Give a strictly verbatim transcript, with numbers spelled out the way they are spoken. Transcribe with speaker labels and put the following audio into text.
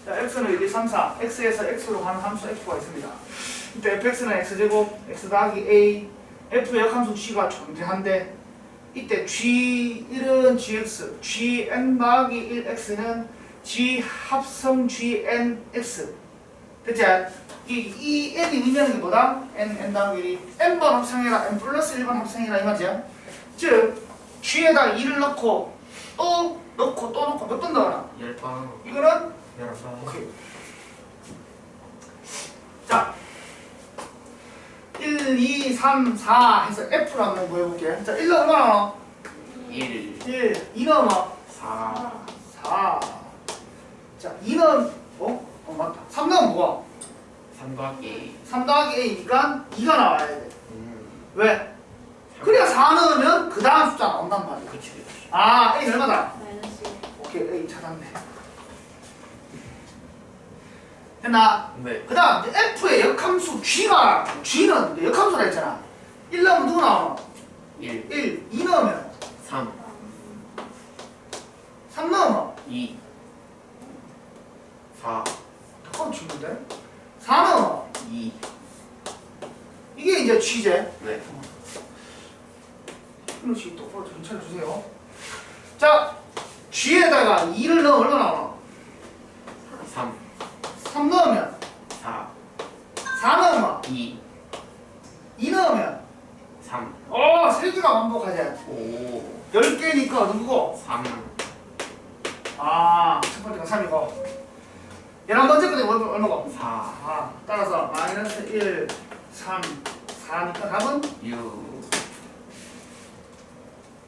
Speaker 1: 자, x는 일, 이, 삼, 사. x에서 x로 가는 함수 f가 있습니다. 이때 fx는 x제곱, x 더하기 a, f의 역함수 g가 존재한데 이때 g일은 gx, gn 더하기 일 x는 g 합성 gnx. 됐지? 이, 이 n이 의미하는 게 뭐다? n, n 더하기 일이 n번 합성해라, n 플러스 일 번 합성해라 이 말이야. 즉 g에다 일을 넣고 또 넣고 또 넣고 몇 번 넣어라?
Speaker 2: 열 번.
Speaker 1: 이거는
Speaker 2: 열 번.
Speaker 1: 오케이. 자, 일, 이, 삼, 사 해서 F로 한번 구해볼게. 자, 일 넣으면 얼마나 넣어?
Speaker 2: 일.
Speaker 1: 일, 이 넣으면
Speaker 2: 사.
Speaker 1: 사. 자, 이 넣으면 어? 어 맞다. 삼 넣으면 뭐야?
Speaker 2: 삼 더하기.
Speaker 1: 삼 더하기 A니까 이가 나와야 돼.
Speaker 2: 음.
Speaker 1: 왜? 그래야 사 넣으면 그 다음 숫자 나온단 말이야.
Speaker 2: 그치 그치.
Speaker 1: 아, A 얼마다?
Speaker 3: 마이너스 일.
Speaker 1: 오케이, A 찾았네. 됐나?
Speaker 2: 네.
Speaker 1: 그 다음 F의 역함수 G가 G는 역함수라 했잖아. 일 넣으면 누구 나오노?
Speaker 2: 일.
Speaker 1: 일, 이 넣으면
Speaker 2: 삼.
Speaker 1: 삼 넣으면
Speaker 2: 이. 사.
Speaker 1: 잠깐 치는데? 사 넣으면
Speaker 2: 이.
Speaker 1: 이게 이제 G제.
Speaker 2: 네.
Speaker 1: 그렇지, 똑바로 좀 차려주세요. 자, G에다가 이를 넣으면 얼마 나오노?
Speaker 2: 삼.
Speaker 1: 삼 넣으면
Speaker 2: 사.
Speaker 1: 사 넣으면
Speaker 2: 이.
Speaker 1: 이 넣으면
Speaker 2: 삼.
Speaker 1: 어, 세 개가 반복하지.
Speaker 2: 오.
Speaker 1: 열 개니까 누구고?
Speaker 2: 삼.
Speaker 1: 아, 첫 번째가 삼이고 열한 번째 거는 얼마- 얼마고?
Speaker 2: 사.
Speaker 1: 사. 따라서 마이너스 일, 삼, 사니까 답은
Speaker 2: 육.